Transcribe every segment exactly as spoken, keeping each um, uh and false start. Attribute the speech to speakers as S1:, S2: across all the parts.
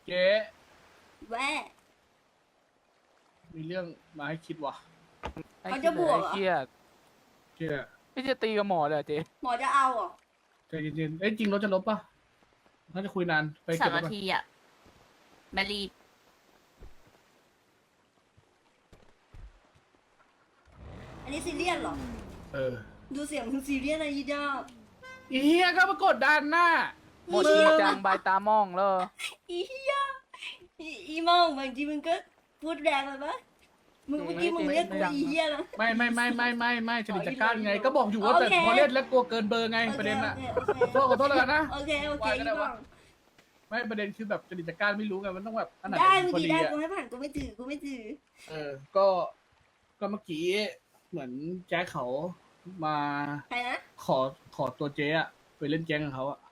S1: เจ๊
S2: แว่
S1: มีเรื่องมาให้คิดว่ะ
S2: เขาจะบวกเหรอ
S3: เครียด
S1: เจ๊
S3: พี่จะตีกับหมอเลยเหรอเจ๊
S2: หมอจะเอาเหรอ
S1: ใจเย็นๆเอ้ยจริงรถจะลบปะน่าจะคุยนานไป
S4: สา
S1: เก็บ
S4: ม
S1: รถ
S4: นา
S1: ก่อน
S4: ทีอ่ะแมรีบ
S2: อันนี้ซีเรียสเหรอ
S1: เออ
S2: ดูเสียงมึงซีเรียสนะยีดา
S1: อีเฮียก็มากดดันหน้า
S3: หมดจริงจังใบตามองแล้ว
S2: อีเหี้ยอีอีมองบางทีมึงก็พูดแรงไปปะมึงเมื่อกี้มึงเรียกกูอีเหี้ยนะ
S1: ไม่ไม่ไม่ไม่ไม่ไม่จริตจักรานไง ก็บอกอยู่ว่าแต่
S2: โอเค
S1: พอเล่นแล้วกลัวเกินเบอร์ไงประเด็นอะ
S2: โอเค
S1: ขอโทษขอโทษแล้วกันนะ
S2: โอเคโอเค
S1: ว่าก็
S2: อี
S1: ได้
S2: ม
S1: วะ
S2: อง
S1: ไม่ประเด็นคือแบบจริตจักรานไม่รู้ไงมันต้องแบบอันไหน
S2: ได้มึง
S1: พอ
S2: ดี
S1: ดี
S2: ได้
S1: อะ
S2: กูให้ผ่านกูไม่ถือกูไม่ถือ
S1: เออ ก็ก็เมื่อกี้เหมือนแจ็คเขามา
S2: ใครนะ
S1: ขอขอตัวเจ๊อะไปเล่นแก๊งกับเขาอะ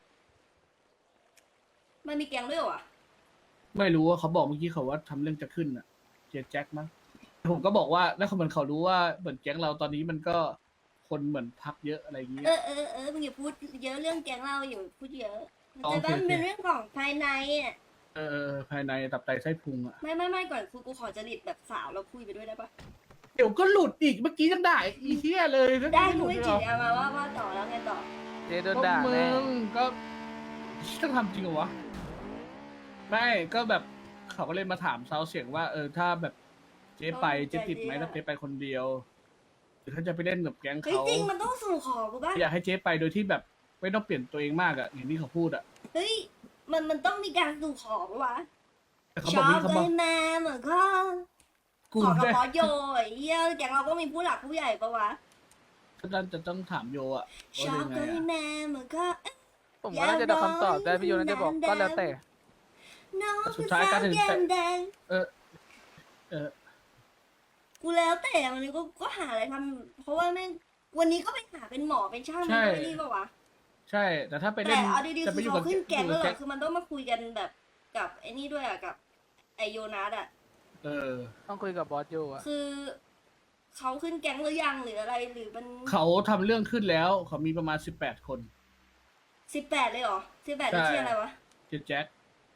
S2: มันมีแกงด้วยเหรอ
S1: ไม่รู้ว่าเขาบอกเมื่อกี้เขาว่าทำเรื่องจะขึ้นอะเจ๊แจ็คมั้งผมก็บอกว่าแล้วเขาเหมือนเขารู้ว่าเหมือนแก๊งเราตอนนี้มันก็คนเหมือนพักเยอะอะไรอย่างเงี้ย
S2: เออเออเออมึงอย่าพูดเยอะเรื่องแกงเราอย่าพูดเยอะ
S1: อ๋อ
S2: แต่ว่า
S1: โอเค
S2: มันเป็นเรื่องของภายในอ่ะ
S1: เออเออภายในตับไตไส้พุงอะ
S2: ไม่ไม่ไม่ก่อนกูกูขอจริตแบบสาวเราคุยไปด้วยได้ปะ
S1: เดี๋ยวก็หลุดอีกเมื่อกี้ยังได้อีเหี้ยเลย
S2: ได้
S1: ห
S2: กู
S1: ลุด
S2: ไม่
S1: เลย
S2: จี
S1: เหรอ
S2: เอามาว่าว่าต่อแล้วไงต่อ
S3: เจ๊โดน
S1: ก็
S3: ด่า
S1: มึ
S3: แน่
S1: งก็ต้องทำจริงเหรอวะไม่ก็แบบเขาก็เลยมาถามเซาเสียงว่า เออถ้าแบบเจ๊ไปเจ๊ติดไหมถ้าเจ๊ไปคนเดียวหรือถ้าจะไปเล่นกับแก๊ง
S2: เฮ้ย
S1: เขา
S2: จริงมันต้องสู่ขอกูป่ะ
S1: อยากให้เจ๊ไปโดยที่แบบไม่ต้องเปลี่ยนตัวเองมากอะอย่างที่เขาพูดอะ
S2: เฮ้ยมันมันต้องมีการสู่ขอปะวะ
S1: แต่เขา
S2: ช
S1: บอก
S2: อบ
S1: นี่เขา
S2: เล
S1: บอก
S2: ยแม่เหมือนก็
S1: กู
S2: ขอกับ
S1: ได้
S2: พอโยไอ้เหี้ยแกงเราก็มีผู้หลักผู้ใหญ่ปะวะ
S1: ก็ต้องจะต้องถามโยอะ
S2: ช
S1: ว่า
S2: อบ
S1: เป็น
S2: เล
S1: ไง
S2: ย
S1: อะ
S2: แม่เหมือนก็เอ๊ะ
S3: ผมว่าน่าจะได้คำตอบได้พี่โยน่าจะบอกก็แล้วแต่
S2: น้อง
S1: สุ
S2: คือ
S1: ดท้าย
S2: สา
S1: การ
S2: ว
S1: ถึง
S2: แก้มแดง
S1: เออเออ
S2: กูแล้วแต่วันนี้ก็ก็หาอะไรทำเพราะว่าแม่งวันนี้ก็ไปหาเป็นหมอเป็นช่างเป็นอะไรนี่ปะวะ
S1: ใช่ แต่ถ้าไป
S2: แต่
S1: เล่น
S2: เอาดีๆ
S1: จะ
S2: คื
S1: ไป
S2: อ
S1: อยู่
S2: เขา
S1: กับ
S2: ขึ้นแกงแล้วเหร
S1: แจ็
S2: อ
S1: ค
S2: คือมันต้องมาคุยกันแบบกับไอ้นี่ด้วยอะกับไอโยนัสอะ
S1: เออ
S3: ต้องคุยกับบอสโยอะ
S2: คือเขาขึ้นแก๊งหรือยังหรืออะไรหรือมัน
S1: เขาทำเรื่องขึ้นแล้ว เขามีประมาณสิบแปดคน
S2: สิบแปดเลยเหรอสิบแปด
S1: ใช่
S2: นี่ชื่ออะไรวะ
S1: เจ๊แจ็ค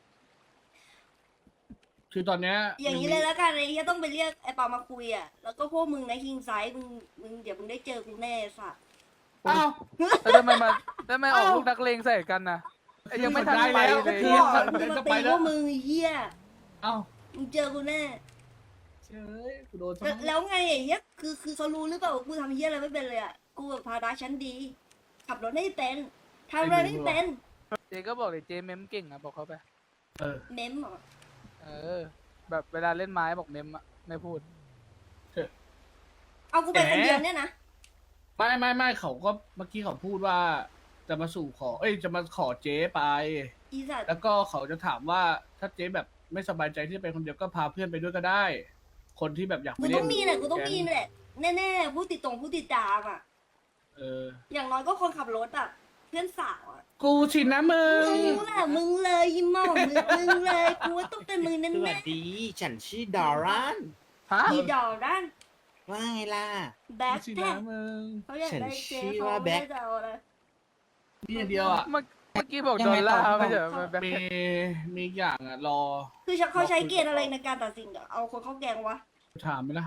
S1: คือตอนเนี้ย
S2: อย่างนี้เลยแล้วกันไอ้ที่ต้องไปเรียกไอ้ปามาคุยอะแล้วก็พวกมึงในะคิงไซส์มึงมึงเดี๋ยวมึงได้เจอกูแน่สัส
S1: อ้าว
S3: แล้วทำไมมาทำไมออกลูกนักเลงใส่กันนะไอ้ยังไม่ทัน
S1: ได้
S3: ไป
S1: แล้ว
S3: เลย
S2: กู
S1: เหี้
S2: บอก
S1: เดี๋
S2: มึ
S1: ยว
S2: ง
S1: จะ
S2: มา
S1: ไป
S2: ตี
S1: แล้
S2: พ
S1: ว
S2: วกมึงไอ้เหี้ย
S1: เอ้า
S2: มึงเจอกูแน่
S1: เจ้ยกูโดน
S2: แล้วแล้วไงไอ้เหี้ยคือคือเขารู้หรือเปล่าว่ากูทำเหี้ยอะไรไม่เป็นเลยอะกูแบบพาดาชั้นดี ขับรถไม่เป็นทำอะไรไม่เป็น
S3: เจ๊ก็บอกเลยเจ๊เมมเก่งอะบอกเขาไป
S1: เออ
S2: เมมเหรอ
S3: เออ แบบเวลาเล่นไม้บอกเมมอะไม่พูด
S2: เอากูไปคนเดียวเนี่ยนะ
S1: ไม่ไม่ไม่เขาก็เมื่อกี้เขาพูดว่า จะมาสู่ขอ เอ้ยจะมาขอเจ๊ไป
S2: อีสัตว์
S1: แล้วก็เขาจะถามว่าถ้าเจ๊แบบไม่สบายใจที่จะไปคนเดียวก็พาเพื่อนไปด้วยก็ได้ คนที่แบบอยากไป
S2: กู
S1: เล่น
S2: ต้องมีแหละกูต้องมีแหละแน่ๆผู้ติดตรงผู้ติดตามอ่ะ
S1: เออ
S2: อย่างน้อยก็คนขับรถอ่ะ เพื่อนสาวอ่ะ
S1: กูชินนะมึง
S2: มึงแหละมึงเลยยิ้มมองมึงมึงเลยกูว่าต้องเป็นมึง
S5: ส
S2: แน่
S5: วัสดี ฉันชื่อดอรัน
S3: ฮะ
S2: ๆอีดอด้าน
S5: ว่าไงล่ะ
S2: แบ็ค
S1: ชิน
S2: แท็
S1: นะ
S2: ก
S1: มึง
S2: เขาอยากได้เจ๊
S5: ฉันชื่อ
S2: เขา
S5: ว่า
S2: ไม่
S5: แบ็
S2: ได้
S5: ค
S2: จะเอาอะไร
S1: นี่อย่างเดียวอ่ะ
S3: เมื่อเมื่อกี้บอกดอลลาร์ไม่ใช่เหรอแบ็ค
S1: มีมีอีกอย่างอ่ะ รอ
S2: คือเขาใช้เกณฑ์อะไรในการตัดสินอะเอาคนเข้าแกงวะ
S1: ถามไหมล่ะ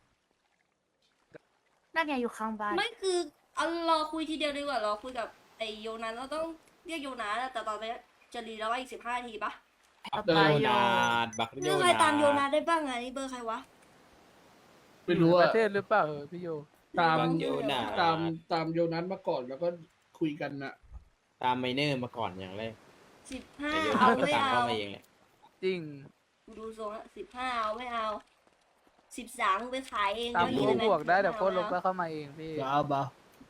S4: นั่นไงอยู่ข้างบ้าน
S2: ไม่คือเอารอคุยทีเดียวดีกว่ารอคุยกับไอโยนัสเราต้องเรียกโยนัสอะแต่ตอนนี้จะรีแล้วว่าอีกสิบห้านาทีปะ
S3: เอาไป
S5: โย
S3: โย
S5: นาดบักโย
S2: เรื่อง
S5: นา
S2: ใคร
S5: ด
S2: ตามโยนัสได้บ้างอะนี่เบอร์ใครวะ
S1: ไม่รู้
S3: ป
S1: อ่ะ
S3: ระเทศหรือเปล่าเออพี่โย
S1: ตาม
S5: บักโยนาด
S1: ตามตามโยนัสมาก่อนแล้วก็คุยกันน่ะ
S5: ตามไมเนอร์มาก่อนอย่างแรก
S2: สิบห้า
S5: แต่โย
S2: เอา
S5: นาดก็
S2: ไม่
S5: ตาม
S2: เอา
S5: เข้ามาเองแหละ
S3: จริง
S2: กูดูทรงละสิบห้าเอาไม่เอาสิบสามไปขายเอง
S3: ตาม
S2: ก็
S3: โค้
S2: ดี
S3: ด
S2: เลย
S3: บวกได้แต่โค้ดลบ
S2: แล้
S3: แล้ว วเข้ามาเองพี่
S1: บ้าบ้า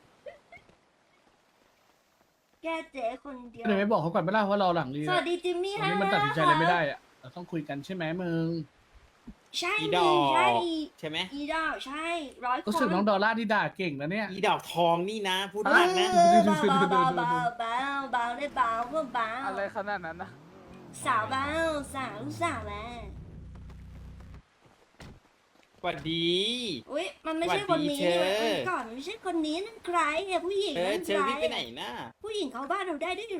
S2: แก้เจ๊คนเดียว
S1: ทำไมไม่บอกเขาก่อนไม่ล่ะว่าเราหลังรี
S2: สวัสดีจิมมี่
S1: วันนี้มันตัดสินใจอะไรไม่ได้อ่ะเราต้องคุยกันใช่ไหมมึง
S2: ใช่
S5: อี
S2: ดิ
S5: ดอก
S2: ใช่
S5: ใช่ไหม
S2: อีดอกใช่ร้อยค
S1: ก็
S2: น
S1: สึกน้องดอลล่าที่ด่าเก่งนะเนี่ย
S5: อีดอกทองนี่นะ พูด
S2: เอ
S5: มากนะ
S2: อเบาเบาเบาเบาเบาเบาได้เบาเพื่อเบา
S3: อะไรขนาดนั้นนะ
S2: สาวเบาสาวลูกสาวแม่
S5: สวัสดี
S2: อุ้ยมันไม่ใช่คนนี้
S5: สวัสดีเธอ
S2: มันก่อนมันไม่ใช่คนนี้นั่นใครเนี่ยผู้หญิง
S5: เออ
S2: นั่น
S5: เช
S2: ใค
S5: อ
S2: ร
S5: รี่ไปไหนนะ
S2: ผู้หญิงเขาบ้านเราได้ด้วยเหรอ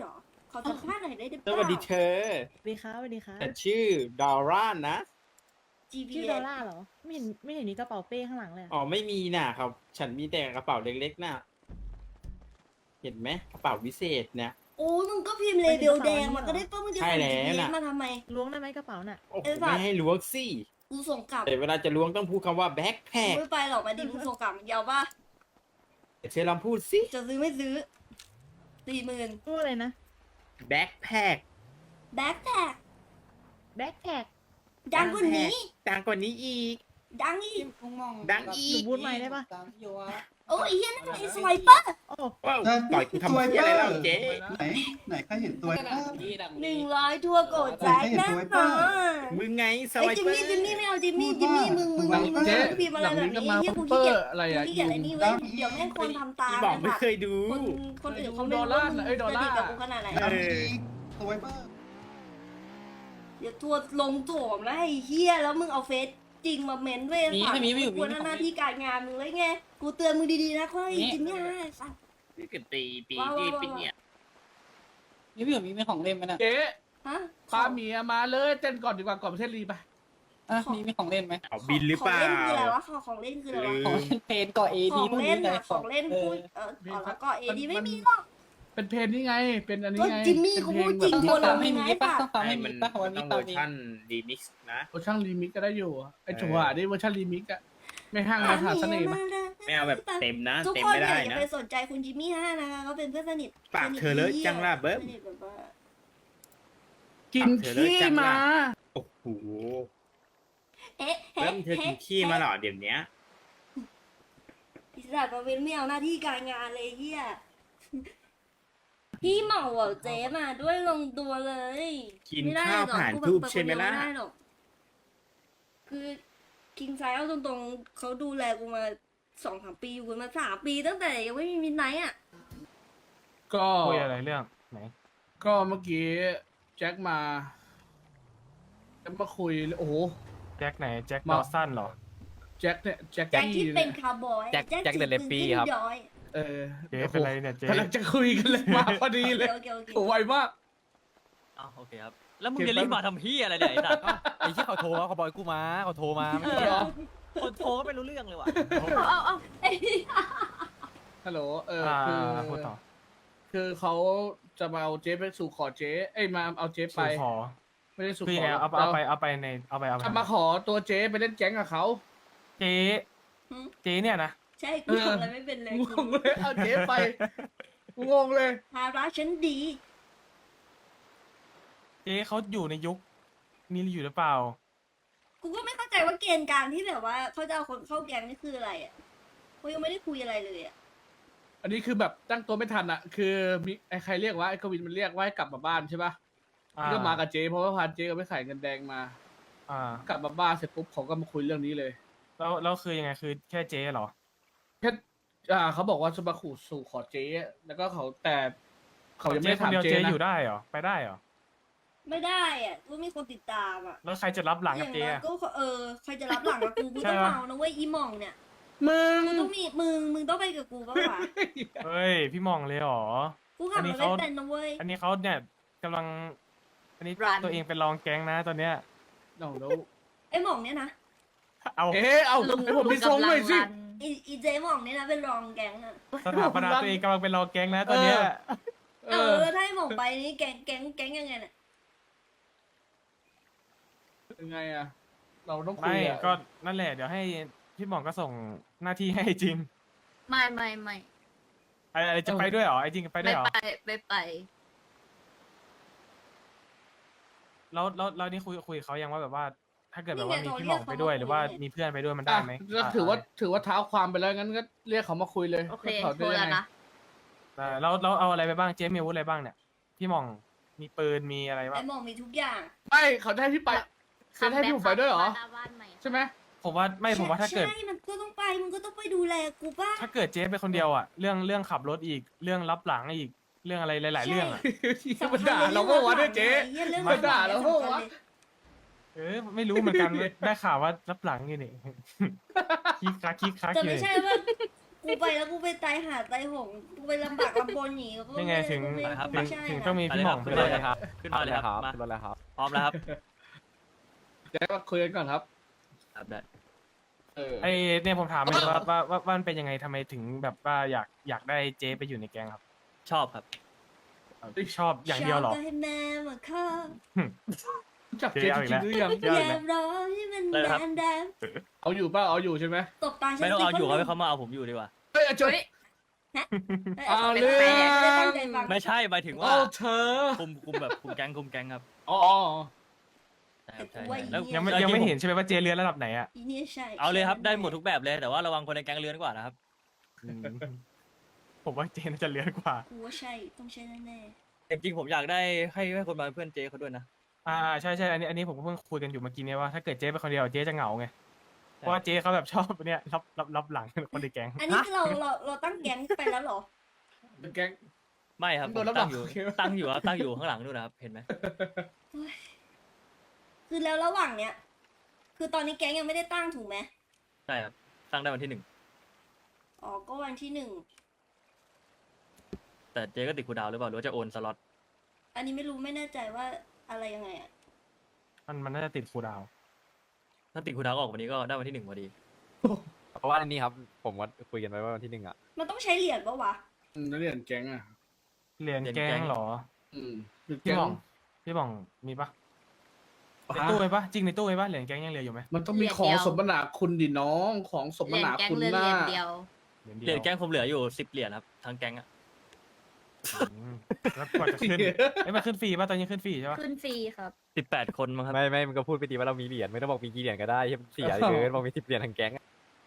S2: ขอสัมภาษณ์หน่อยได้ไหม
S5: สวัสดีเธอ
S6: สวัสดีครับสวัสดีครับ
S5: แต่ชื่อดอร่านะ
S2: จีพี
S6: ชื่อ
S2: เอ
S6: ดอลล่าร์เหรอ ไม่เห็นไม่เห็นมีกระเป๋าเป้ข้างหลังเลยอะ
S5: อ๋อไม่มีน่ะครับ ฉันมีแต่กระเป๋าเล็กๆน่ะ เห็นไหมกระเป๋าวิเศษเนี่ย
S2: โอ้มึงก็พิมพ์เลเบลแดงมันก็ได้ป้ะมึงจะ
S5: ใช่
S2: ส่ง
S5: แล้ว
S2: จีพีเอ
S5: น่ะ
S2: มาทำไม
S6: ล้วงได้ไหมกระเป๋าน่ะ
S5: โอ้โห
S2: เอ้ยสัตว์
S5: ไม่ให้ล้วงสิ
S2: กูส่งกลับ
S5: แต่เวลาจะล้วงต้องพูดคำว่าแบ็คแพ
S2: กู
S5: ค
S2: ไม่ไปหรอกมาดิมึงส่งกลับยาวป่ะ
S5: เชลองพูดสิ
S2: จะซื้อไม่ซื้อสี่หมื่น
S6: พูดอะไรนะ
S5: แบ็คแพค
S2: แบ็คแท็ก
S6: แบ็คแท็ก
S2: ดังกว่านี้
S5: ดังกว่านี้อีก
S2: ดังอีก
S5: ดังอี
S6: หนู
S5: ก
S6: พูดใหม่ได้ปะ
S2: โอ้ยไอ้เฮียนั่นไอ้สไวเปอร์
S6: โอ้
S5: ว้าวต่อยกูทำเพี้ยอะไรแล้วเจ๊
S7: ไหนไหนใครเห็นตัวบ้าง
S2: หนึ่งร้อยทั่วโกดแจ็คแน่นอน
S5: มึงไงส
S2: ไอ้
S5: วั
S2: ย
S5: ย
S2: จิม
S5: เปอ
S2: มี่
S5: ร์
S2: จิมมี่ไม่เอาจิมมี่จิมมี่มึงมึงมึงมึง
S1: เจ๊
S2: พิมพ์อะไร
S1: หลัง
S2: แบบ
S1: นี้ก็
S2: นี้
S1: มา
S2: เฮีย
S1: คุ
S2: กู
S1: ณ
S2: ขี้
S1: เปอ
S2: เกียจ
S1: ร์อะไร
S2: กู
S1: อ่ะ
S2: ขี้เกียจอะไรนี่เว้ยเดี๋ยวแม่งคนทำตาม
S5: พี่บอกไม่เคยดู
S2: คนคนอื่นเขาไม่
S1: ดอล
S2: รู้
S1: ลา
S2: ว่า
S1: ร์
S2: มึง
S1: น่ะเอ้ยดอล
S2: ส
S1: ลา
S2: นิท
S1: ร์
S2: กับกูขนาดไหน
S7: ดำอีกตัวเบอร์
S2: เดี๋ยวทัวร์ลงโถมแล้วไอ้เฮียแล้วมึงเอาเฟซจริงมาเม้นด้วย
S8: มี
S2: ฝั่ง
S8: ไม่มีไม่อยู่
S2: กูหน้าที่การงานมึงเลยไงกูเตือนมึงดีๆนะค่อยจิมมี่ฮะสัตว์
S5: นี่ก็ตีปี
S2: ว้าว
S5: ที่
S2: ว้าว
S5: ปีเนี่ย
S8: มีพี่อยู่มีมีของเล่นไหมนะ
S1: เจ๊
S2: ฮะ
S1: พาเมียมาเลยเต้นก่อนดีกว่าก่อนประเทศลีไป
S8: อ่ะมีมีของเล่นไหม
S5: เอาบินหรือเปล่า
S2: ของเล่นคืออะไรวะของของเล่นคืออะไรวะ
S5: ลื
S8: ของ
S5: ม
S8: เล่นเพนก่อเอ
S2: ข
S8: ดี
S2: อง
S8: พวก
S2: เล่
S8: นี้
S2: น
S8: เลย
S2: อะของเล่น
S8: เอ
S2: พู
S8: อ
S2: ดเอออ๋อแล้วก็เอดีไม่มีหรอก
S1: เป็นเพลงนี่ไง เป็นอันนี้
S2: ก็
S1: ไง
S2: จิมมี่เขาพูดจริง
S8: ต้อง
S2: ตัว
S8: ฟั
S2: เรา
S8: ง
S2: ไม่
S8: ไม่
S2: มี
S8: มีป่ะ
S2: ป่ะ
S8: ต้องฟังไม่มี
S5: มัน
S8: ป่ะวัน
S5: ต้
S8: นี้
S5: อง
S8: ต
S5: เว
S8: อ
S5: อน ร์
S8: นี้
S5: ชันดีมิกซ์นะ
S1: เวอร์ชันรีมิกก็ได้อยู่ไอ้
S5: เออ
S1: จังหวะนี่เวอร์ชันรีมิกอะไม่ห้างมาหาเสน่ห์มา
S5: ไม่เอาแบบเต็มนะ
S2: ทุก
S5: เต็ม
S2: คน
S5: ไม่
S2: อย่า
S5: ได้
S2: อย่า
S5: นะ
S2: ไปสนใจคุณจิมมี่ฮะนะคะเขาเป็นเพื่อนสนิท
S5: ปากเธอเลอะจังล่ะเบิ้ม
S2: สนิทแบบว่า
S1: กินขี้มา
S5: โอ้โห
S2: เอ๊ะ
S5: เริ่มเธอกินขี้มาเหรอเดี๋ยวนี้
S2: อิสระมาเว้นไม่เอาหน้าที่การงานเลยเฮียพี่เหมาอ่ะเจ๊มาด้วยลงตัวเลย
S5: กิน
S2: ไม่ได้
S5: ข้าว
S2: หรอก
S5: ผ่าน
S2: พูด
S5: ทูบ
S2: แบบ
S5: ใช่ไหมล่ะ
S2: ไม่ได้หรอกคือคิงไซเอาตรงๆเขาดูแลกูมาสองสามปีอยู่กันมาสามปีตั้งแต่ยังไม่มีมิดไนท์อ่ะ
S1: ก็
S9: คุยอะไรเรื่องไหน
S1: ก็เมื่อกี้แจ็คมาแจ็คมาคุยโอ้โห
S9: แจ็คไหน แจ็ค
S1: มา
S9: ดอสันเหรอ
S1: แจ็คเนี่ยแจ็ค
S2: แจ็คที่
S1: กี้
S2: เป็น
S1: เนี่ย
S2: คาวบอย
S3: แจ็คแจ็คเดอะเลปปี้ครับ
S2: ย้อย
S1: เออ
S9: เจ๊
S1: โอ้โห
S9: เป็นไรเนี่ยเจ๊
S1: กำลังจะคุยกันเลยมาพอดีเลย
S2: โอเคโอเค
S1: โอ้ไวมาก
S3: อ้าวโอเคครับ แล้วมึงจะรีบมาทำพี่อะไรเนี่ยไอ้สัตว์ไอ้ที่เขาโทรมาเขาบอกให้กูมาเขาโทรมาไม่
S1: เอ
S3: ใช่
S1: อ
S3: เหรอคนโทรก็ไม่รู้เรื่องเลยว่ะ
S2: เอาเอาเอาเอ้ย
S1: ฮัลโหลเออ
S9: อ่า
S1: คือ
S9: พูดต่อ
S1: คือเขาจะมาเอาเจ๊ไปสู่ขอเจ๊เอ้ยมาเอาเจ๊ไป
S9: สู่ขอ
S1: ไม่ได้สู่
S9: คือ
S1: ข
S9: ยัง
S1: อ
S9: ไงเอาเอาไปเอาไปในเอาไปเอาไป
S1: จะมาขอตัวเจ๊ไปเล่นแก๊งกับเขา
S9: เจ๊เจ๊เนี่ยนะ
S2: ใช่กูทำอะไรไม่เป็นเลย
S1: งงเลยเอาเจ๊ไปงงเลย
S2: ภาระฉันดี
S9: เจ๊เขาอยู่ในยุคนี้อยู่หรือเปล่า
S2: กูก็ไม่เข้าใจว่าเกณฑ์การที่แบบว่าเขาจะเอาคนเข้าแก๊งนี่คืออะไรอ่ะกูยังไม่ได้คุยอะไรเลยอ่ะ
S1: อันนี้คือแบบตั้งตัวไม่ทันอ่ะ คือมีไอ้ใครเรียกว่าไอ้กวินมันเรียกว่าให้กลับมาบ้านใช่ปะ
S9: อ่า
S1: ก็มากับเจ๊เพราะว่าพาเจ๊ก็ไปขายเงินแดงมา
S9: อ่า
S1: กลับมาบ้านเสร็จปุ๊บเขาก็มาคุยเรื่องนี้เลย
S9: แล้วแล้วคือยังไงคือแค่เจ๊เหรอ
S1: แค่อ่าเขาบอกว่าจะมาขู่สู่ขอเจ๊แล้วก็เขาแต่เขายังไม่
S9: เจ๊
S1: ได้
S9: คน
S1: ถาม
S9: เดียว
S1: เจ๊
S9: เจ๊
S1: นะ
S9: อยู่ได้เหรอไปได้เหรอ
S2: ไม่ได้อ่ะกูมีคนติดตามอ่ะ
S9: แล้วใครจะรับหลัง
S2: อ
S9: กับ
S2: ย่าง
S9: เจ๊
S2: น้อย
S9: อะ
S2: ก็เออใครจะรับหลังกับกูกู
S9: ใช่
S2: ต้อง
S9: ปะ
S2: เมานะเว้ยอีหมองเนี่ย
S1: มึง
S2: กูต้องมีมึงมึงต้องไปกับกูบ้างวะ
S9: เฮ้ยพี่มองเลยเหรอ
S2: กูขับ
S9: อันนี้
S2: รถ
S9: เขา
S2: ไม่เป็นนะเว้ย
S9: อันนี้เขาเนี่ยกำลัง อันนี้ตัวเองเป็นรองแก๊งนะตอนเนี้ย
S1: เอาแล้ว
S2: ไอ้หมองเนี่ยนะ
S9: เอา
S1: เอ๊ะเอา
S4: ลุง
S1: ให้ผมไปส่งหน่อยสิ
S2: อีอีเจหมองเนี่ยนะเป็นรองแก๊งอ่ะ
S9: สถาปนาตัวเองกำลังเป็นรองแก๊งนะตอนเนี้ย
S1: เอ
S2: เอ
S1: อ
S2: อแล้วถ้าไอ้หมองไปนี่แก๊งแก๊งแก๊งยังไงเนี่ย
S1: ยังไงอะเราต้องคุ
S9: ไม่
S1: ยอะ
S9: ก็นั่นแหละเดี๋ยวให้พี่หมองก็ส่งหน้าที่ให้จริง
S4: ไม่ไม่ไม่
S9: อะไรอะไรจะไปด้วยเหรอไอ้จริงไปด้ว
S4: ไม่
S9: ยเหรอ
S4: ไปไม่ไป
S9: แล้วแล้วแล้วนี่คุยคุยกับเขายังว่าแบบว่า ถ้าเกิดแบบว่ามีพี่หมองไปด้วยหรือว่ามีเพื่อนไปด้วยมันได้
S1: อ่ะ
S9: ไหม
S1: ก็ถือว่าถือว่าเท้าความไปแล้วงั้นก็เรียกเขามาคุยเลย
S4: โอเค
S1: ว่าเขา
S4: โทร
S1: จะ
S4: แล้ว
S1: ยังไง
S4: นะ
S9: อ่าแล้วแล้วเอาอะไรไปบ้างเจ๊มีอาวุธอะไรบ้างเนี่ยพี่หมองมีปืนมีอะไรบ้า
S2: ไอ้
S9: ง
S2: หมองมีทุกอย่าง
S1: ไม่เขาจะให้พี่ไปเขาจะให้พี่ผมไปด้วยเหรอ
S4: หน้าบ้านใหม่
S1: ใช่ไหม
S9: ผมว่าไม่ผมว่าถ้าเกิด
S2: ใช่มันก็ต้องไปมึงก็ต้องไปดูแลกูป่ะ
S9: ถ้าเกิดเจ๊ไปคนเดียวอ่ะเรื่องเรื่องขับรถอีกเรื่องรับหลังอีกเรื่องอะไรหลาย ๆ เรื่องอ่ะ
S1: มันด่าเราก็ว่าด้วยเจ๊
S2: เรื่อง
S1: มาด่าเราก็วะ
S9: เออไม่รู้เหมือนกัน ได้ข่าวว่ารับหลังอยู่นี่ คิกคักคิกคัก
S2: แต่
S9: อยู่
S2: ไม่
S9: นี่
S2: ใช่ว่ากูไปแล้วกูไปตายหาตายโหงกูไปลำบากลำบนหนีก็
S9: นี่ไงถึง
S2: ไม่
S3: ครับ
S9: ถึ
S2: ไม่
S9: ง
S2: ใช่
S9: ถึง
S2: นะ
S9: ต้องมีพี่หม่องไป
S3: ขึ้น
S9: ด้
S3: มา
S9: วย
S3: เลยครับขึ้นมาเลยครับมา
S5: ขึ้นรถแล้วครับ
S3: พร้อมแล้วครับ
S1: แจ็คก็คุยกันก่อนครับ
S3: ครับได้
S1: เออ
S9: ไอเนี่ยผมถามเลยว่าว่าว่าว่ามันเป็นยังไงทำไมถึงแบบว่าอยากอยากได้เจ๊ไปอยู่ในแก๊งครับ
S3: ชอบครับ
S9: ชอบอย่างเดียวเหรอ
S2: ชบก็ให้แม่มาข้า
S1: รู้จักเจ๊จริงๆหรือยัง
S9: เดี๋ยว
S2: อ
S9: อีก
S2: ย่า
S9: แล้ว
S2: รอให้มัน
S3: ได้ครับ
S2: แดงแดง
S1: เอาอยู่เปล่าเอาอยู่ใช่ไหม
S2: ตบตาฉัน
S3: ไม่ต้องเอาอยู่ครับ
S2: สิ
S3: ให้เขามาเอาผมอยู่ดีกว่า
S1: เฮ้ยจุด
S4: เฮ้ย
S1: เอา
S2: ไม่
S1: เรื่
S2: ได้
S1: อง
S2: ตั้งใจฟัง
S3: ไม่ใช่หมายถึงว่า
S1: เอาเธอ
S3: คุมคุมแบบคุมแก๊งคุมแก๊งครับ
S1: อ๋ออ๋อ
S3: ใช่ครับใช่
S2: แต่กูว่า
S3: แล้ว
S9: ยังไม่
S3: แล้ว
S9: ยังไม่
S3: จริๆ
S9: เห็นใช่ไหมว่าเจ๊เรือนระดับไหนอ่ะ
S2: อีเนี่ยใช่
S3: เอาเลยครับได้หมดทุกแบบเลยแต่ว่าระวังคนในแก๊งเลื้อนกว่านะครับ
S9: ผมว่าเจ๊น่าจะเรือนกว่า
S2: กูว่าใช่ต้องใช่แน่
S3: จริงๆผมอยากได้ให้ให้คนมาเป็นเพื่อนเจเขาด้วยนะ
S9: อ่าใช่ใช่อันนี้อันนี้ผมก็เพิ่งคุยกันอยู่เมื่อกี้เนี่ยว่าถ้าเกิดเจ๊ไปคนเดียวเจ๊จะเหงาไงเพราะว่าเจ๊เขาแบบชอบเนี่ยรับรับรับหลังคนในแก๊ง
S2: ๆอันนี้คือเราเราเราตั้งแก๊งไปแล้วเหรอ
S1: เป็นแก๊ง
S3: ไม่ครับ
S1: โดน
S3: ผม
S1: รับหลั
S3: ตั้
S1: ง
S3: งอยู่
S1: โอเค
S3: ตั้งอยู่ครับตั้งอยู่ข้างหลังนู่นนะครับเห็นไหม
S2: คือแล้วระหว่างเนี้ยคือตอนนี้แก๊งยังไม่ได้ตั้งถูกไหม
S3: ใช่ครับตั้งได้วันที่หนึ่ง
S2: อ๋อก็วันที่หนึ่ง
S3: แต่เจก็ติดคูลดาวน์หรือเปล่าหรือว่าจะโอนสล็อต
S2: อันนี้ไม่รู้ไม่แน่ใจว่าอะไรยังไงอ่ะ
S9: มันมันน่าจะติดคูลดาวน์
S3: ถ้าติดคูลดาวน์ก็ออกวันนี้ก็ได้วันที่หนึ่งพอดี
S5: เพราะว่าอันนี้ครับผมว่าคุยกันไว้ว่าวันที่หนึ่งอ่ะ
S2: มันต้องใช้เหรียญปะวะ
S1: อืมนักเรียนแก๊งอ่ะ
S9: เหรียญแก๊งเหรอ
S1: อืมเป็น
S9: พี่
S1: แก๊ง
S9: หม่องพี่หม่องมีปะในตู้ไหมปะจริงในตู้ไหมปะเหรียญแก๊งยังเหลืออยู่ไหม
S1: มันต้องมีของสมนาคุณดิน้องของสม
S4: เหรียญ
S1: นา
S4: แก๊ง
S1: คุณ
S4: เรือน
S1: หน้า
S4: เหรียญเดียว
S9: เหรียญ
S3: เห
S9: เดี
S3: รี
S9: ย
S3: ยว ญแก๊งผมเหลืออยู่สิบเหรียญครับทั้งแก๊งอะ
S9: อืมแล้วกว่าจะขึ้นไอ้ยมันขึ้นฟรีป่ะตอนนี้ขึ้นฟรีใช่ปะ
S4: ขึ้นฟรีครับ
S3: สิบแปดคนมั้งครับ
S5: ไม่ไม่มันก็พูดไปดีว่าเรามีเหรียญไม่ต้องบอกมีกี่เหรียญก็ได้ที่เสียเกินบอกมีสิบเหรียญทางแก๊งอะ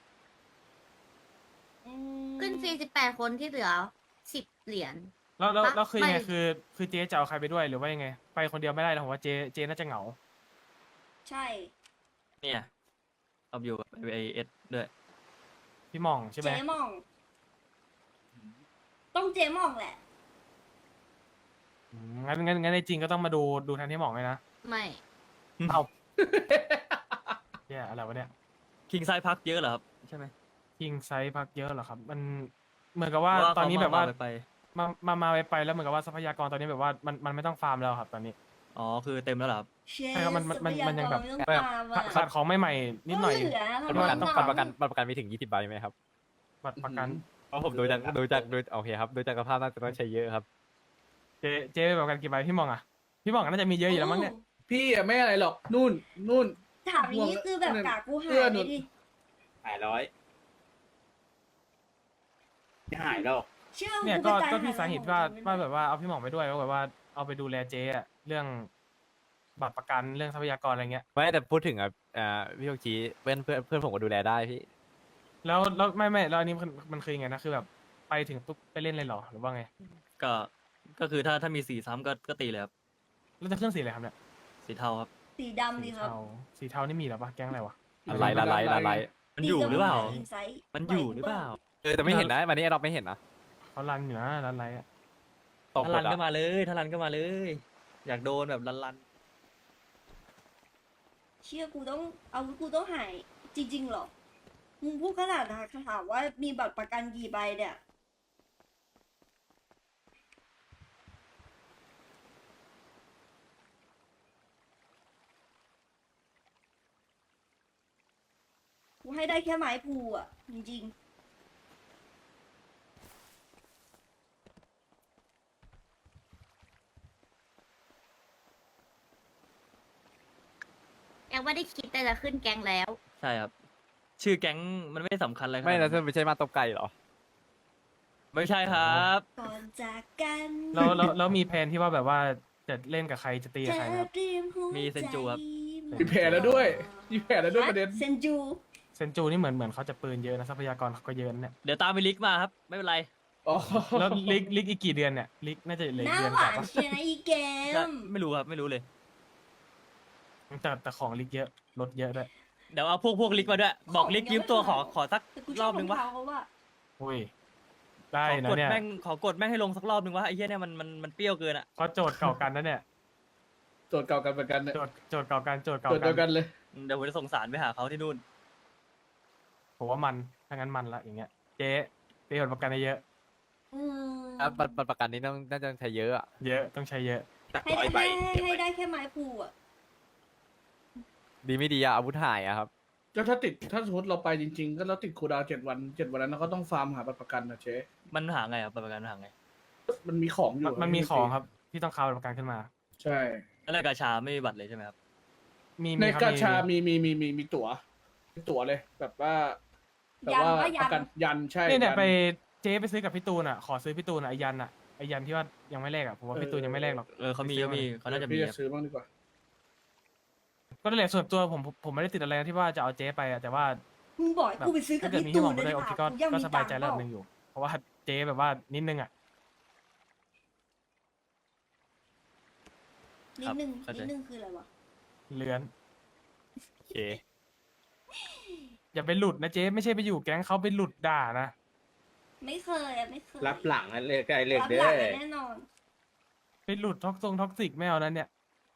S2: อืม
S4: ขึ้นฟรีสิบแปดคนที่เหลือสิบเหรียญ
S9: แล้วแล้ว
S4: ปะ
S9: แล้วคือยังไง
S4: ไม่
S9: คือคือเจ๊จะเอาใครไปด้วยหรือว่ายังไง ไปคนเดียวไม่ได้หรอกผมว่าเจ๊เจ๊น่าจะเหงา
S2: ใช่
S3: เนี่ยเอาอยู่กับไอเอสด้วย
S9: พี่หม่องใช่ไหม
S2: เจ๊หมอง ต้องเจ๊หมองแหละ
S9: อืมงั้นงั้นงั้นในจริงก็ต้องมาดูดูแทนที่หม่องเลยนะ
S4: ไม่
S9: เอาเนี่ยอะไรวะเนี่ย
S3: คิงไซพักเยอะเหรอครับใช่ไหม
S9: ยิงไซส์พักเยอะเหรอครับ มันเหมือนกับว่า
S3: เพระ
S9: ตอนนี้แบบว่า
S3: เขไป
S9: มามามาไปไปแล้วเหมือนกับว่าทรัพยากรตอนนี้แบบว่ามันมันไม่ต้องฟาร์มแล้วครับตอนนี้
S3: อ๋อคือเต็มแล้วเหรอครับ
S2: เช
S9: ใช่ครับมันมันมันมันยังแบบ
S2: ทรัพากรไม่ต้องตาม
S9: ขา
S2: อ่ะ
S9: ดขาดของใหม่ๆนิดหน่อย
S2: ก็เหลือ
S5: บัตรประกันต้องบัตรประกัน
S2: เหงา
S5: บัตรประกันมีถึงยี่สิบใบไหมครับ
S9: บัตรประกัน
S5: เพราะผมดูจากดูจากดูโอเคครับดูจากสภาพน่าจะต้องใช้เยอะครับ
S9: เจ๊เจ๊ไปแบบกันกี่ใบพี่หม่องอ่ะพี่หม่องน่าจะมีเยอะอยู่แล้วมั้งเนี่ย
S1: พี่อะไม่อะไรหรอกนู่นนู่น
S2: ถามอย่างนี้คือแบบกากกูหา
S1: เสื้อย หนู
S2: เลยดิ
S5: หายร้อยหายแล้ว
S2: เชื่อ
S9: เนี่ย
S2: กู
S9: ก็
S2: ไปตย
S9: ก็
S2: ห
S9: พี่สาเหตุว่า
S2: ของจริง
S9: ว่าแบบว่าเอาพี่หม่องไปด้วยว่าแบบว่าเอาไปดูแลเจ๊อะเรื่องบัตรประกันเรื่องทรัพยากรอะไรเงี้ย
S5: ไม่แต่พูดถึงอ่ะอ่าพี่โอชีเพื่อนเพื่อนเพื่อนผมก็ดูแลได้พี่
S9: แล้วแล้วไม่ไม่แล้วอันนี้มันมันคือยังไงนะคือแบบไปถึงปุ๊บไปเล่นเลยเหรอหรือว่าไง
S3: ก็ก็คือถ้าถ้ามีสีซ้ำก็ก็ตีเลยครับ
S9: แล้วจะเครื่องสีอะไรครับเนี่ย
S3: สีเทาครับ
S2: สีดำ
S9: สี
S2: ดีครับ
S9: เทาสีเทานี่มีเหรอปะแก๊งอะไรวะ
S5: อะไรละไรละไร
S3: มันอยู่หรือเปล่า
S2: สีไซส์
S3: มันอยู่หรือเปล่า
S5: เออแต่ไม่เห็นนะวันนี้เราไม่เห็นนะ
S9: เขารันอยู่นะรันอะไรอะ
S5: ตก
S3: ถ้า
S5: หม
S3: รั
S5: ด
S3: น
S5: อ่ะ
S3: ก็มาเลยถ้ารันก็มาเลย อยากโดนแบบรันรัน
S2: เชื่อกูต้องเอากูต้องหายจริงๆเหรอมึงพูดขนาดนะถามว่ามีบัตรประกันกี่ใบเนี่ยกูให้ได้แค่ไม้พูอ่ะ จริงๆ
S4: แกว่าได้คิดแต่จะขึ้นแก๊งแล้ว
S3: ใช่ครับ ชื่อแก๊งมันไม่ได้สำคัญอะไรขนาด
S5: ไม่
S3: นั้
S5: นะ
S3: น
S5: เธอไม่ใช่มาตบไก่เหรอ
S3: ไม่ใช่ครับ
S2: ก่อนจากกัน
S9: แล้วแล้วแล้วมีแผนที่ว่าแบบว่าจะเล่นกับใครจะตีกับใครครับ
S2: เธอเตรียหัวใจ
S3: มีเซนจูครับ
S1: มีแผลแล้วด้วยมีแผลแล้วด้วยประเด็น
S2: เซนจู
S9: เซนจูนี่เหมือนเหมือนเขาจะปืนเยอะนะทรัพยากรเขาก็เยอะนะเนี่ย
S3: เดี๋ยวตามไปลิกมาครับ ไม่เป็นไร
S1: อ๋อ
S9: แล้วลิกลิกอีกกี่เดือนเนี่ยลิกน่าจะเหลือ
S2: ห
S9: อี
S2: น้าก
S9: เดือน
S2: ห
S9: ก
S2: วา
S9: ว่าน ปะ
S2: เชียร์นะอีเกม
S3: ไม่รู้ครับไม่รู้เลย
S9: แต่แต่ของลิกเยอะลดเยอะด้วย
S3: เดี๋ยวเอาพวกพวกลิกมาด้วย บอกลิกยืมตัวขอขอสัก
S2: แต่กูช
S3: ร
S2: อ
S3: อ
S2: บบ
S3: หนึ่งวะ
S2: รองเท้าเขาว่า
S9: อุ้ยได้
S3: ขอ
S9: นะ
S3: กด
S9: เนี่ย
S3: แม่งขอกดแม่งให้ลงสักรอบหนึ่งวะไอ้เหี้ยเนี่ยมันมันมันเปรี้ยวเกินอ่ะ
S9: เขาโจทย์เก่ากันนะเนี่ย
S1: โจทย์เก่ากันเหมือนกันเนี่ย
S9: โจทย์โจทย์เก่ากันโจทย์เก่า
S1: โจทย์เดียว
S9: กั
S1: กัน นเลย
S3: เดี๋ยวผมจะส่งสารไปหาเขาที่นู่น
S9: ผมว่ามันถ้างั้นมันละอย่างเงี้ยเจ๊ย์ผลประกันได้เยอะ
S2: อืม
S3: อ่ะบัตรบัตรประกันนี้ต้องน่าจะใช้เยอะอะ
S9: เยอะต้องใช้เยอะ
S5: ตัก
S2: ให้
S5: ร้อยใบ
S2: ให้ให้ให้ได้แค่ไม้พูอ่ะ
S3: ดีไม่ดีอะอาวุธหายอะครับ
S1: แล้วถ้าติดถ้าสมมติเราไปจริง ๆ ก็เราติดคูลดาวน์เจ็ดวันเจ็ดวันนั้นเราก็ต้องฟาร์มหาบัตรประกันนะเจ๊
S3: มันหาไงอะบัตรประกันมันหาไง
S1: มันมีของอยู่
S9: มันมีของครับที่ต้องคาบัตรประกันขึ้นมา
S1: ใช่
S3: แล้วในกาชาไม่มีบัตรเลยใช่ไหมครับ
S9: มี
S1: ใน
S9: มีครับ
S1: กาชา
S9: มี
S1: มีมีมีมีมีตั๋วมีตั๋วเลย แบบว่าแบบ
S2: ยัน
S1: ว่า
S2: ว่ายั
S1: ประกัน
S2: น
S1: ยันใช่
S9: เนี่ยเนี่ย
S1: ยัน
S9: ไปเจ๊ไปซื้อกับพี่ตูนอ่ะขอซื้อพี่ตูนอ่ะไอยันอ่ะไอยันที่ว่ายังไม่แลกอ่ะผมว่าพี่ตูนยังไม่แลกหรอก
S3: เออเขามีเขามีเขาน่าจะมี
S1: พี่
S3: ค
S1: จะ
S3: รับ
S1: ซื้อบ้างดีกว่า
S9: ก็นั่นแหละส่วนตัวผมผมผมไม่ได้ติดอะไรนะที่ว่าจะเอาเจ๊ไปอ่ะแต่ว่า
S2: มึงบอกให้
S9: แบบ
S2: กูไปซื้อกั
S9: ถ้า
S2: บ
S9: เกิด
S2: พี่
S9: มี
S2: ตู
S9: ที่หม
S2: น
S9: อง
S2: เล
S9: มาย ด้วย
S2: ดี
S9: โอก เค
S2: ว่า
S9: ก็
S2: กูยัง
S9: ก็
S2: มี
S9: สบายใจ
S2: ตังค์
S9: ระดับ
S2: เป
S9: ห
S2: ล่า
S9: นึ่งอยู่ เพราะว่าเจ๊แบบว่านิดนึงอ่ะ
S2: นิดนึง
S3: เข้าใจ
S2: นิดนึงคืออะไรวะ
S9: เลือน
S3: โอเค
S9: อย่าไปหลุดนะเจ๊ไม่ใช่ไปอยู่แก๊งเขาไปหลุดด่านะ
S2: ไม่เคยอะไม่เคย
S5: รับหลังนั่นเลยไกลเลิก
S2: รับ
S5: เด้
S2: หลั
S5: อง
S2: แน่นอน
S9: ไปหลุดท็อกซงท็อกซิกไม่เอานั้นเนี่ย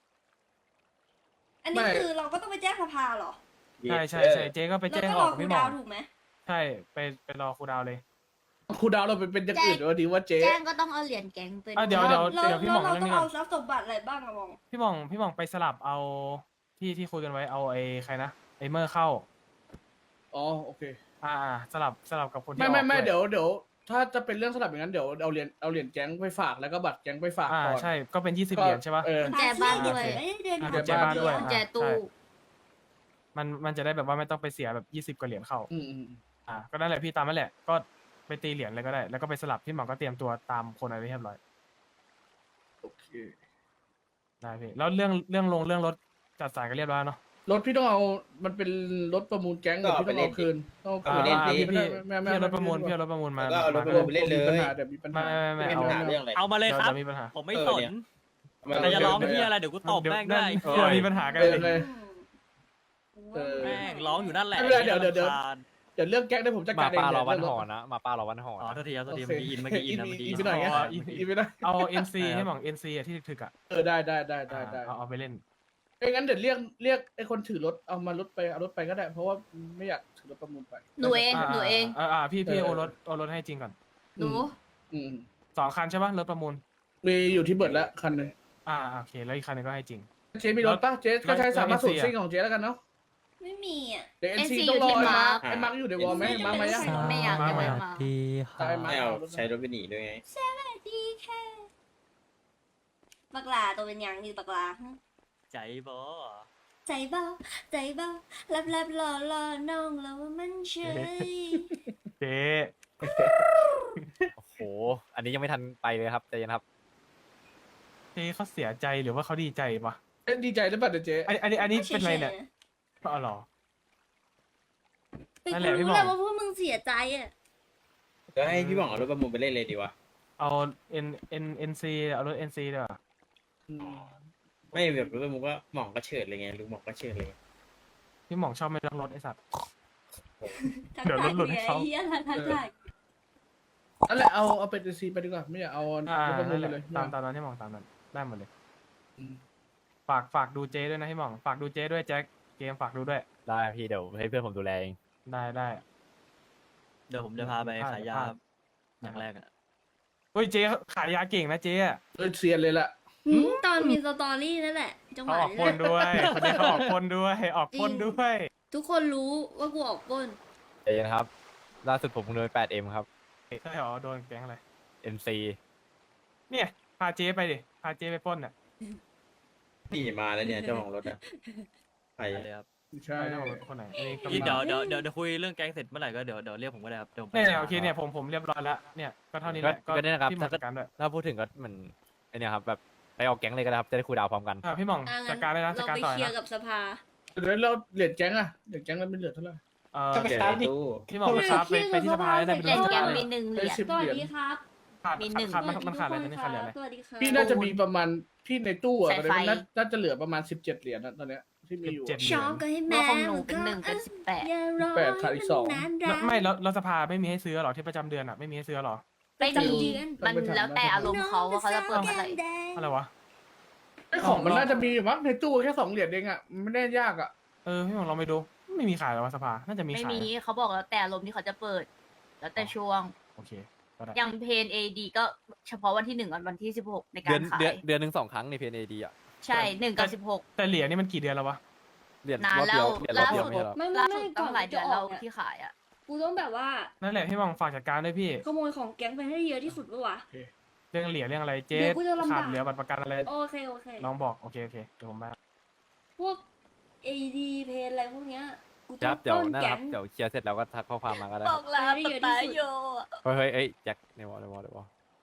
S2: อันนี้คือเราก็ต้องไปแจ้งสภาเหรอ
S9: ใช่ใช่ใช่เจ๊ก็ไป
S2: แล้ว
S9: แจ้ง
S2: ก็
S9: อ
S2: ร
S9: อ
S2: อก
S9: กับ
S2: คู
S9: พี่
S2: ล
S9: หมอ
S2: ดาง วน์ถูกไหม
S9: ใช่ไปไปรอครูดาวเลย
S1: ครูดาวเราเป็นเป็นอย่างอื่นว่าดีว่าเจ๊
S4: แจ้งก็ต้องเอาเหรียญแก๊งไป
S9: อ่ะเดี๋ยว
S2: แล้
S9: เดี๋ยว
S2: แล้ว
S9: เดี๋ยวพี่หม่อง
S2: เรา
S9: เรื่อง
S2: ต้อง
S9: นี้ก่
S2: เอา
S9: อน
S2: ทรัพย์สมบัติอะไรบ้างอะมอง
S9: พี่หมองพี่หมองไปสลับเอาที่ที่คุยกันไว้เอาไอ้ใครนะไอ้เมอร์เข้า
S1: อ๋อโอเค
S9: อ่าอ่าสลับสลับกับคนที่
S1: ไม่ไม่
S9: ออก
S1: ไม่
S9: วย
S1: เดี๋ยวเดี๋ยวถ้าจะเป็นเรื่องสลับอย่างนั้นเดี๋ยวเอาเหรียญเอาเหรียญแก๊งไปฝากแล้วก็บัตรแก๊งไปฝาก
S9: อ่า
S1: ก่อน
S9: ใช่ก็เป็นยี่สิบ
S1: ก็
S9: เหรียญใช่ปะ
S1: เออ
S4: กุญแจบ้านด้วย
S2: เอ้ยเดือน
S9: อ่ะ
S2: เดี
S9: กุญแจบ้านด้วย
S4: กุญแจตู้
S9: ใช่มันมันจะได้แบบว่าไม่ต้องไปเสียแบบยี่สิบกว่าเหรียญเข้า
S1: อืมอืม
S9: อ่าก็นั่นแหละพี่ตามนั่นแหละก็ไปตีเหรียญเลยก็ได้ แล้วก็ไปสลับพี่หมองก็เตรียมตัวตามคนอะไรเรียบร้อย
S1: โอเค
S9: ได้พี่แล้วเรื่องเรื่องลงเรื่องรถจัดสายกันเรียบร้อยเนาะ
S1: รถพี่ต้องเอามันเป็นรถประมูลแก๊งเดี๋ยวพี่ต้องเอาคืนต้องเอา
S9: อ่า
S1: คืน
S9: อ่าพี่พี่
S1: ไม่ไม่
S9: พี่
S1: ไม่
S9: เอารถประมูลพี่เอารถประมูลมา
S5: ก็เอารถ
S9: มา
S5: ประมูลไปเล่นเลย
S1: มีปัญหาเดี๋ยวมีปัญ
S9: ไม่
S1: หา
S9: ไม่ไม่
S5: ไม่
S9: ไม่
S5: มี
S9: เอา
S5: ปัญหาเรื่องอะไร
S3: เอามาเลยครับ
S9: ดี๋วมีปัญหา
S3: ผมไม่
S5: เออ
S3: สน
S5: เนี่ย
S3: แต่จะร้องเพี่อะไรเดี๋ยวกูตบแม่งได้
S9: เดี๋ยวมีปัญหากัน
S1: เอ
S9: เล
S1: อย เลย เออ
S3: แม่งร้องอยู่นั่นแหละ
S1: ไม่เป็นไรเดี๋ยวเดี๋ยวเดี๋ยว
S3: รำคาญ
S1: เดี๋ยวเรื่องแก๊งได้ผมจัดการเอง
S3: มาป้ารอวัน
S1: เดี๋ย
S3: หอ
S1: เรื่งรถ
S3: นะมาป้ารอวันหออ๋อโทษทีครับโทษที
S1: โอ
S3: เมื่อ
S1: เค
S3: กี้อินเมื่อกี้อินนะเมื่อกี้
S1: อินไปหน่อยไง
S9: อ๋อ
S1: อินอินไปหน่อย
S9: เอา เอ็น ซี
S3: ครับ
S9: ให้หมอง เอ็น ซี อ่ะที่ถึกๆอ่ะ
S1: เออได้ได้ได้ได้ได้
S9: เอาเอาไปเล่น
S1: ไม่งั้นเดี๋ยวเรียกเรียกไอ้คนถือรถเอามารถไปเอารถไปก็ได้ เพราะว่าไม่อยากถือรถประมูลไป
S4: หนูเอง
S9: อ่า
S4: หนูเอง
S9: อ่าอ่าพี่พี่
S1: เออ
S9: โอรถโอรถให้จริงก่อน
S4: หนู
S1: อืม
S9: สองคันใช่ปะรถประมูล
S1: มีอยู่ที่เบิร์ดแล้วคันหนึง
S9: อ่าโอเคแล้วอีกคันหนึงก็ให้จริง
S1: เจ๊มีรถปะเจ๊ก็ใช้
S9: แล้ว
S1: สามารถ
S9: แล้ว
S1: สูตร
S9: เอ็นซี
S1: ซิ่งของเจ๊แล้วกันเนาะ
S2: ไม่มีอ่ะ
S1: เดี๋ยวเอ็น
S4: เอ็น
S1: ซี
S4: ซี
S1: ต้องรอ
S4: อยู่ที่
S1: ไอ้มาร์ค
S5: มาร์ค
S1: ไอ้มาร์คอยู่ในวอลไหม
S2: เอ็นซี
S1: มาร์คมายัง
S2: จะเป็น
S4: ไม่อยาก
S9: มา
S4: จะ
S9: มา
S4: ไม่
S9: มา
S4: มา
S1: ใช่มา
S5: ไม่เอา
S1: เอารถ
S5: ใช้รถไปหนีด้วยไง
S2: ดีแค่บักลาตัวเป็นหยังอยู่บักลาฮะ
S3: ใจบอ
S2: ใจเบาใจเบาลับลับรอรอน้องแล้วว่ามันเฉย
S9: เจ๊
S3: โอ้โห อันนี้ยังไม่ทันไปเลยครับใจเย็นครับ
S9: เจ๊เขาเสียใจหรือว่าเขาดีใจปะ
S1: เอ้ยดีใจหรือเปล่าเดี๋ยวเจ๊
S9: อันอันนี้อันนี้เป็นไรเนี่ยอ๋อเหรอ
S2: เป็น
S9: นั่น
S2: ค
S9: แหละ
S2: น
S9: พี่
S2: รู้
S9: หม่อง
S2: แล้วว่าพวกมึงเสียใจอ่ะ
S5: ก็ให้พี่หว่องเอารถประมูลไปเล่นเลยดีวะ
S9: เอาเอ็นเอ็นเอ็นซีเอารถเอ็นซีดีกว่า
S1: อืม
S5: ไม่แบบรถประมูลก็หม่องก็เฉิดเลยไงลุงหม่องก็เฉิดเลย
S9: พี่หมองชอบไม่รักรถไอ้สัตว์
S2: ทัก
S9: เดี๋ยว
S2: ทาย
S9: หลุดๆให้
S2: ไง
S9: เขา
S2: เฮียทักทาย
S1: นั่นแหละเอาเอาเป็นเอ็นซีไปดีกว่าไม่อยากเอา
S9: อ่าร
S1: ถประมู
S9: นั่
S1: ล
S9: นแห
S1: ไป
S9: ละ
S1: เลย
S9: ตามตามนั้นที่หมองตามนั้นได้หมดเลย
S1: อืม
S9: ฝากฝากดูเจ๊ด้วยนะพี่หมองฝากดูเจ๊ด้วยแจ็คเกมฝากดูด้วย
S3: ได้พี่เดี๋ยวให้เพื่อนผมดูแลเอง
S9: ได้ได้
S3: เดี๋ยวผมจะพาไป
S9: พลาด
S3: ขายยา
S9: พลาด
S3: อย่างแรกอะ
S9: เฮ้ยเจ๊ขายยาเก่งนะเจ๊อะ
S1: เออเซียนเลยล่ะ
S2: หืมตอนมีสตอรี่นั่นแหละจังห
S9: เขา
S2: วะ
S9: ออก
S2: นี้
S9: พ่น
S2: แหละ
S9: ด้วยคนนี้เขาออกพ่นด้วยออกพ่นด้วย
S2: ทุกคนรู้ว่ากูออกปล้น
S3: ใจเย็นครับ ล่าสุดผมเพิ่งโดน แปดเอ็ม ครับ
S9: ใช่เหรอโดนแก๊งอะไร
S3: เอ็น ซี
S9: เนี่ยพาเจ๊ไปดิพาเจ๊ไปปล้นอ่ะ
S5: นี่มาแล้วเนี่ยเจ้าของรถอะไป
S3: ไปเลยครับ
S1: ใช่
S9: เจ้าของรถคนไหนอันนี้ก็
S3: พี่
S9: มา
S3: เดี๋ยวเดี๋ยวเดี๋ยวเดี๋ยวคุยเรื่องแก๊งเสร็จเมื่อไหร่ก็เดี๋ยวเดี๋ยวเรียกผมก็ได้ครับเดี๋ยวผมไป
S9: เนี่ยเนี่ยโอเคเนี่ยผมผมเรียบร้อยแล้วเนี่ยก็เท่านี้แหละ
S3: ก็ก็ได้นะครับ
S9: พี่หมองจัดการด้วย
S3: ถ้าพูดถึงก็เหมือนไอเนี่ยครับแบบไปออกแก๊งเลยก็ได้ครับจะได้คุยดาวพร้อมกัน
S9: อ่าพี่หมอง
S2: อ่ะงั้น
S9: จัดการเลยนะจัด
S2: เรา
S9: การ
S2: ไป
S9: ต่อ
S2: เคลีย
S9: นะ
S2: ร์กับสภา
S1: เดี๋ยวเราเหรียญแก๊งอะเหรียญแก๊งเราเป็นเหรียญเท่าไหร่
S9: เออ
S5: ก็ไปขายตู้
S9: พี่หมองไปครับไปไปที่สภาได้ไป
S4: เหรียญ
S9: ดู
S4: แก๊ง
S9: เล
S4: มี
S9: ย
S4: หนึ่งเห
S1: ได้
S4: รียญ
S1: สิบ
S2: สวั
S1: เห
S2: ส
S1: รียญ
S2: ดีครับ
S9: ขาด
S4: มีหนึ่ง
S9: ขาดมันมันขาดอะไร
S2: สวัส
S9: นี่
S2: ดี
S9: ขาดอะไร
S2: สวัสดีครับ
S1: พี่น่าจะมีประมาณพี่ในตู้อะ
S4: สาย
S1: ตอน
S4: ไฟ
S1: นี้น่าน่าจะเหลือประมาณสิบเจ็ดเหรียญนะตอนเนี้ยที่มีอยู่
S9: สิบเจ็ด
S2: ช็อกก็ให้
S4: เมื่
S2: แม่
S4: อของหนูเป็นหนึ่งเป็นสิบแปด
S2: อย่ารอ
S1: แปดขาดอีกสอง
S2: นาน
S9: แล้ว
S2: ๆ
S9: ไม่แล้วแล้วสภาไม่มีให้ซื้อหรอที่ประจำเดือนอ่ะไม่มีให้ซื้อหรอ
S4: ไม่
S2: ประ
S4: มี
S2: จำเดือน
S4: มันแล้วแต่อารมณ์เขาว่าเขาจะเปิดเมื่อไหร่
S9: อะไรวะ
S1: ไอ้ของมันน่าจะมีอยู่มั้งในตู้แค่สองเหรียญเองอะมันไม่ได้ยากอะ
S9: เออพี่หมองลองไปดูไม่มีขายหรอวะสภาน่าจะมี
S4: ไม่
S9: ขาย
S4: มีเขาบอกแล้วแต่อารมณ์ที่เขาจะเปิด แล้วแต่ช่วง
S9: โอเคก็ได้
S4: อย่างเพนเอดีก็เฉพาะวันที่หนึ่งกับวันที่สิบหกในกา
S3: เดือน
S4: รขาย
S3: เดือนเดือนหนึ่งสองครั้งในเพนเอดีอ่ะ
S4: ใช่หนึ่งกับสิบหก
S9: แต่เหรียญนี่มันกี่เดือนแล้ววะ
S3: เหรียญ
S4: นาร น
S3: อบ
S4: แล้
S3: เดียว
S4: ว
S3: เหรียญรอบ
S4: ล่า
S3: เดียว
S4: สุด
S3: ไม่ใช่หรอ
S2: ไม่ไม่
S4: ล่า
S2: ไม่
S4: สุด
S2: ก่
S4: ตั้
S2: อน
S4: งหลาย
S2: จะ
S4: เดือน
S2: อ
S4: แล้
S2: อ
S4: ว
S2: กเนี่ย
S4: ที่ขายอ่ะ
S2: กูต้องแบบว่า
S9: นั่นแหละพี่มองฝากจัดการด้วยพี่
S2: ขโมยของแก๊งไปให้เยอะที่สุดปะวะ
S9: เรื่องเหรียญเรื่องอะไรเจ๊
S2: เดี๋ยวกูจะลำบาก
S9: ขาดเหลือบัตรประกันอะไร
S2: โอเคโอเค
S9: ลองบอกโอเคโอเคเดี๋ยวผมมา
S2: พวก เอ ดี เพนอะไรพวกเนี้ยกู
S3: ค
S2: ต้อ
S3: รั
S2: ง
S3: บเดี๋ยว
S2: ต้น
S3: นั่นแหละ
S2: แก๊
S3: ครับ
S2: ง
S3: เดี๋ยวเคลียร์เสร็จแล้วก็ทักข้อความมาก็ได้
S4: บ
S3: ค
S4: อ
S3: รับ
S4: กแล้ว
S2: ให้เยอะที่
S4: ตา
S2: สุด
S4: โยอะ
S3: เฮ้ยเฮ้ยเอ้ยแจ็คในวอลในวอลในวอล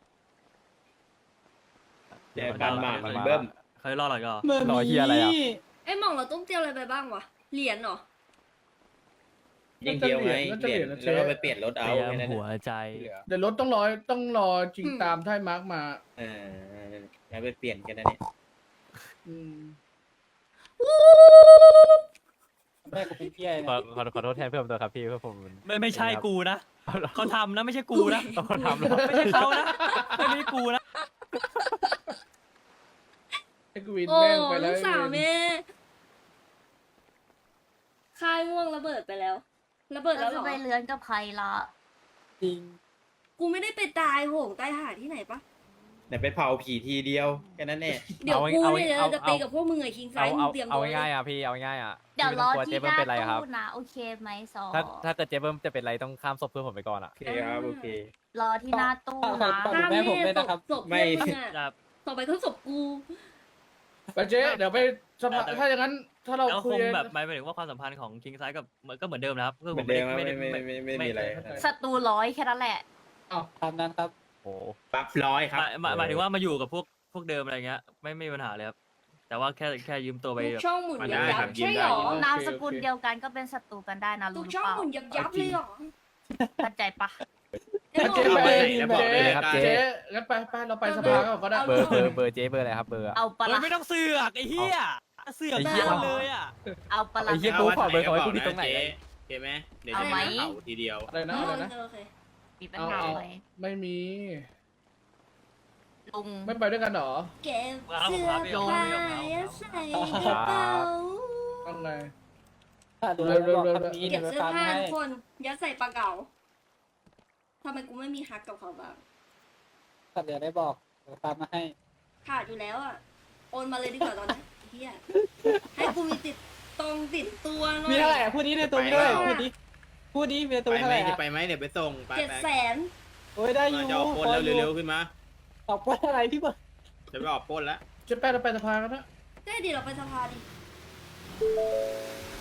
S5: เจอกันหมากมันเบิ้ม
S3: เคยรอหรอก็
S8: เมื่อ
S3: รอเหี้ยอะไรอะ
S2: ไอ้ยหม่องเราต้องเตรียมอะไรไปบ้างวะ เหรียญเหรอ
S5: ยิงเดียวไง
S1: น่าจะ
S5: เห
S1: เห
S5: รี
S1: รี
S5: ย
S1: ย
S5: ญ
S1: ญ
S5: แล้วก็ไปเปลี่ยนรถเอา
S3: เตรีย
S5: แค่
S3: ม
S5: นั้น
S3: หัว
S5: น่ะ
S3: ใจ
S1: เดี๋ยวรถต้องรอต้องรอจริง
S2: อืม
S1: ตามถ้าให้มาร์กมา
S5: เออแล้วไปเปลี่ยนกันนะเนี่ย
S1: อืม
S8: แม่กูเป็นเพี้ย
S3: ขอ
S8: เนี่ย
S3: ขอขอโทษแทนเพื่อนตัวครับพี่เพื่อนผมมัน
S10: ไม่ไม่ใช่กูนะเขาทำนะไม่ใช่กูนะ
S3: เขาทำแล้ว
S10: ไม่ใช่เขานะไม่ใช่กูนะ
S1: ไอ้กวิน
S2: โอ้
S1: แม่งไปแล้
S2: ลู
S1: ว
S2: กสาว
S1: ไอ้เวร
S2: แม่ค่ายม่วงระเบิดไปแล้ว ระเบิดแล้
S4: เรา
S2: วเหร
S4: จะ
S2: อ
S4: ไปเลื้อนกับใครละ
S8: จริง
S2: กูไม่ได้ไปตายโหงตายหาที่ไหนปะ
S5: เดี๋ยวไปเผาผีทีเดียวแค่นั้นแน่
S2: เดี๋ยว
S3: เอา
S2: กู
S3: เอา
S2: เนี่ย
S3: เอา
S2: จะไปกับพวกมึงไอ้คิงไซ
S3: เอา
S2: ด์มึ
S3: เอา
S2: งเตรียม
S3: เอา
S2: ตัว
S3: ง่ายๆอ่ะพี่เอาง่ายๆอ่ะ
S4: เดี๋ยวรอ
S3: พี่
S4: ที่
S3: ไม่
S4: ห
S3: ต้งกลัวเจ๊เบิ้มเป็นไร
S4: น้าตู้
S3: ครับ
S4: นะโอเคไหมซอ
S3: ถ้าถ้าเกิดเจ๊เบิ้มจะเป็นไรต้องข้ามศพเพื่อนผมไปก่อนอ่ะ
S5: โอเคครับโอเค
S4: รอที่หน้าตู้
S8: ฝาก
S4: นะ
S8: ฝากดูแม่ผมด้วยนะครับ
S2: ศพ
S5: ไม่
S2: เพื่อนมึงอะ
S10: ครับ
S2: ต่อไปก็ศพกู
S1: ไปเจ๊เดี๋ยวไปสภา
S10: แต่
S1: ถ้าอย่างนั้นถ้าเรา
S10: แล้ว
S1: คุ
S10: ค
S1: ย
S10: งแบบหมายถึงว่าความสัมพันธ์ของคิงไซด์กับก็เหมือนเดิมนะครับคือ
S5: เห
S10: ผ
S5: มือ
S10: ม
S5: นเดิมครับ
S10: ไม่
S5: ไม่
S10: ได้
S5: ไม่ไม่ไม่ไม่มีอะไร
S4: ศัตรูร้อยแค่นั้นแหละ
S8: ตามนั้นครับ
S3: โอ้
S5: ปั๊บร้อยครับ
S10: หมายหมายหมายถึงว่ามาอยู่กับพวกพวกเดิมอะไรเงี้ยไม่ไม่มีปัญหาเลยครับแต่ว่าแค่แค่ยืมตัวไป
S2: ทุก
S10: แบบ
S2: ช่องหมุน
S5: มัน
S2: ยั
S5: ได้
S2: บยั
S5: ครับ บ
S2: ใช่หรอ
S5: ยืมได้
S4: นามสกุลเดียวกันก็เป็นศัตรูกันได้นะ
S2: ทุ
S4: รู้
S2: ก
S4: หรือ
S2: ช่อง
S4: เปล่า
S2: หมุนยับยับเลยเหรอ
S4: เข้าใจปะ
S2: ไอ้
S1: เจ๊
S2: หม่อง
S1: ไป
S5: แล้วบอกเลยครับ
S1: เจ๊งั้นไปไปเราไปสภาก่อนก็ได้
S3: เบอร์เบอร์เบอร์เจ๊เบอร์อะไรครับเบอร์อะ
S4: เอาปะ
S10: เฮ้ย
S4: ละ
S10: ไม่ต้องเสือกไอ้เหี้ยเสือก
S3: ไอ้เหี้ย
S10: มาเลยอ่ะ
S4: เอาปะละ
S3: ไอ้เหี้ยกูขอเบอร์เขาไว้กูที่ตรงไหน
S5: เจ๊เจ๊ไหมเดี๋ยว
S4: เอา
S5: จะ
S4: ไหม
S5: เผาทีเดียว
S1: อะไรนะ
S2: โอ
S1: อะไร
S2: เค
S1: นะ
S2: โอเค
S4: มีปัญ
S1: เอา
S4: หา
S1: เอา
S4: ไหม
S1: ไม่มี
S4: ลุง
S1: ไม่ไปด้วยกันเหรอ
S2: เก็บเสื้อผ้าใส่กระเป๋า
S1: ต้องไง
S8: ถ้าดูแล้วบอกคำนี้
S2: เก็
S8: เดี๋ย
S2: บ
S8: วไป
S2: เสื้อ
S8: ฟัง
S2: ผ้า
S8: ให้
S2: ทุกคนยัดใส่ปลาเก๋าทำไมกูไม่มีฮักกับเขาบ้าง
S8: ถ้าเดี๋ยวได้บอกเดี๋ยวตามมาให้
S2: ขาดอยู่แล้วอ่ะ โอนมาเลยดีกว่าตอนนี้เฮียให้กูมีติดตรงติดตัวหน่อย
S8: มีเท่าไหร่อ่ะพูดนี้ในตรงด้วย
S2: ไป
S8: พูดนี้พูดนี้มีในตร
S5: ไป
S8: งเท่า
S5: ไหม
S8: ไหร่
S5: จะ
S8: อ่ะ
S5: ไปไหมเดี๋ยวไปส่งไป
S2: เจ็ด
S5: ไป
S2: แสน
S8: โอ้ยได้อยู่
S5: จะออกปล้น
S8: พอ
S5: แล้ว
S8: อยู่
S5: เร็วๆขึ้นมา
S8: ออกปล้นอะไรพี่เบิร์ด
S5: จะไปออกปล้นแล้ว
S1: เจ๊แป้เราไปสภากันนะ
S2: ได้ดีเราไปสภาดิ